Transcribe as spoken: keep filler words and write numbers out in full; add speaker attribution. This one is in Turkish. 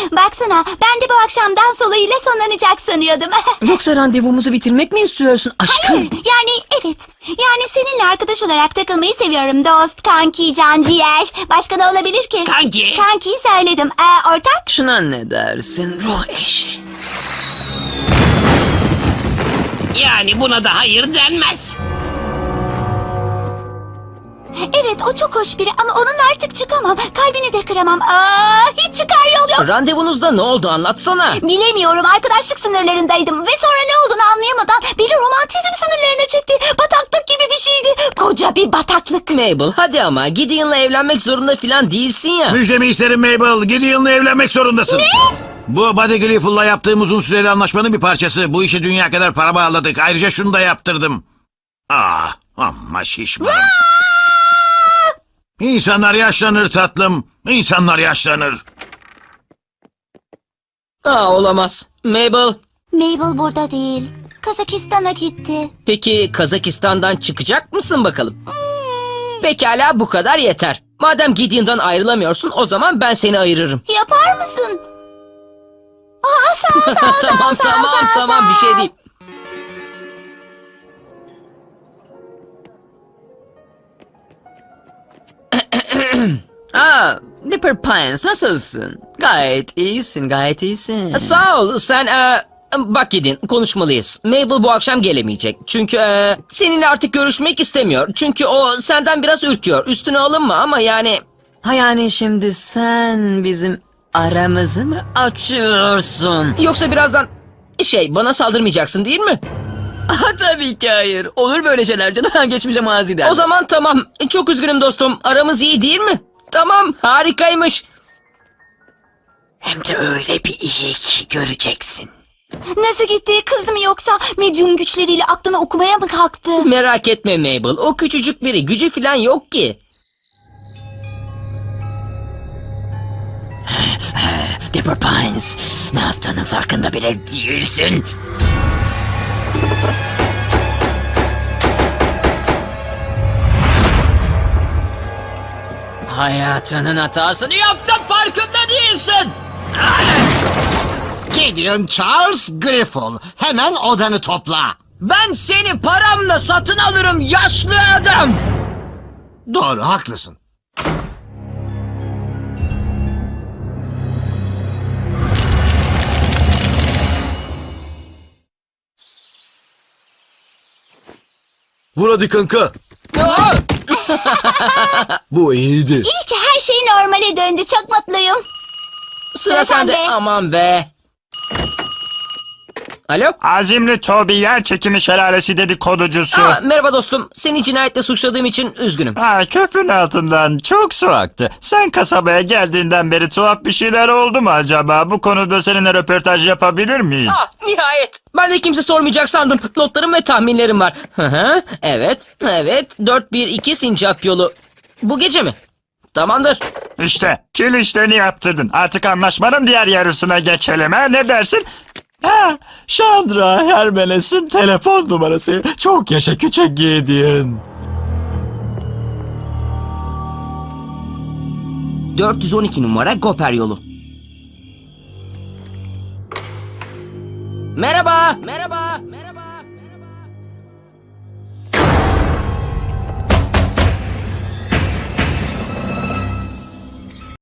Speaker 1: Baksana, ben de bu akşam dans olayıyla sonlanacak sanıyordum.
Speaker 2: Yoksa randevumuzu bitirmek mi istiyorsun aşkım?
Speaker 1: Hayır, yani evet. Yani seninle arkadaş olarak takılmayı seviyorum dost, kanki, canciğer. Başka ne olabilir ki?
Speaker 3: Kanki.
Speaker 1: Kankiyi söyledim. Ee, ortak?
Speaker 2: Şuna ne dersin ruh eşi?
Speaker 3: Yani buna da hayır denmez.
Speaker 1: Evet, o çok hoş biri ama onunla artık çıkamam. Kalbini de kıramam. Aa, hiç çıkar yol yok.
Speaker 2: Randevunuzda ne oldu anlatsana.
Speaker 1: Bilemiyorum, arkadaşlık sınırlarındaydım ve sonra ne olduğunu anlayamadan beni romantizm sınırlarına çekti. Bataklık gibi bir şeydi. Koca bir bataklık.
Speaker 2: Mabel hadi ama Gideon'la evlenmek zorunda falan değilsin ya.
Speaker 4: Müjdemi isterim Mabel. Gideon'la evlenmek zorundasın. Ne? Bu Buddy Griffel'la yaptığım uzun süreli anlaşmanın bir parçası. Bu işe dünya kadar para bağladık. Ayrıca şunu da yaptırdım. Ah, amma şişmanım. İnsanlar yaşlanır tatlım. İnsanlar yaşlanır.
Speaker 2: Aa olamaz. Mabel.
Speaker 1: Mabel burada değil. Kazakistan'a gitti.
Speaker 2: Peki Kazakistan'dan çıkacak mısın bakalım? Pekala bu kadar yeter. Madem Gideon'dan ayrılamıyorsun o zaman ben seni ayırırım.
Speaker 1: Yapar mısın? Aa, sağ ol, sağ ol, sağ ol,
Speaker 2: tamam
Speaker 1: sağ ol,
Speaker 2: tamam
Speaker 1: sağ ol,
Speaker 2: tamam
Speaker 1: sağ
Speaker 2: bir şey
Speaker 1: ol.
Speaker 2: değil.
Speaker 5: Aa, Dipper Pines nasılsın? Gayet iyisin, gayet iyisin.
Speaker 2: Sağ ol sen e, bak Gideon konuşmalıyız. Mabel bu akşam gelemeyecek. Çünkü e, seninle artık görüşmek istemiyor. Çünkü o senden biraz ürküyor. Üstüne alınma ama yani...
Speaker 5: Ha yani şimdi sen bizim aramızı mı açıyorsun?
Speaker 2: Yoksa birazdan şey bana saldırmayacaksın değil mi?
Speaker 5: Ha tabii ki hayır. Olur böyle şeyler canım. Geçmişe maziden.
Speaker 2: O zaman tamam. Çok üzgünüm dostum. Aramız iyi değil mi? Tamam harikaymış.
Speaker 5: Hem de öyle bir iyi ki göreceksin.
Speaker 1: Nasıl gitti? Kızdı mı yoksa? Medyum güçleriyle aklını okumaya mı kalktı?
Speaker 2: Merak etme Mabel. O küçücük biri. Gücü falan yok ki.
Speaker 5: Dipper Pines, ne yaptığının farkında bile değilsin. Hayatının hatasını yaptın, farkında değilsin.
Speaker 6: Gideon Charles Griffel. Hemen odanı topla.
Speaker 2: Ben seni paramla satın alırım yaşlı adam.
Speaker 6: Doğru, haklısın.
Speaker 4: Vur hadi kanka.
Speaker 2: Aa!
Speaker 4: Bu iyiydi.
Speaker 1: İyi ki her şey normale döndü. Çok mutluyum.
Speaker 2: Sıra sende. Aman be. Alo?
Speaker 7: Azimli Toby yer çekimi şelalesi dedikoducusu.
Speaker 2: Aa, merhaba dostum. Seni cinayetle suçladığım için üzgünüm.
Speaker 7: Ha, köprünün altından çok su aktı. Sen kasabaya geldiğinden beri tuhaf bir şeyler oldu mu acaba? Bu konuda seninle röportaj yapabilir miyiz?
Speaker 2: Ah, nihayet. Ben de kimse sormayacak sandım. Notlarım ve tahminlerim var. Hı hı. Evet. Evet. dört bir iki Sincap yolu. Bu gece mi? Tamamdır.
Speaker 7: İşte kil işlerini yaptırdın. Artık anlaşmanın diğer yarısına geçelim ha, ne dersin? Ha, Chandra Hermeles'in telefon numarası. Çok yaşa küçük Gideon.
Speaker 2: dört yüz on iki numara Goper yolu. Merhaba. Merhaba.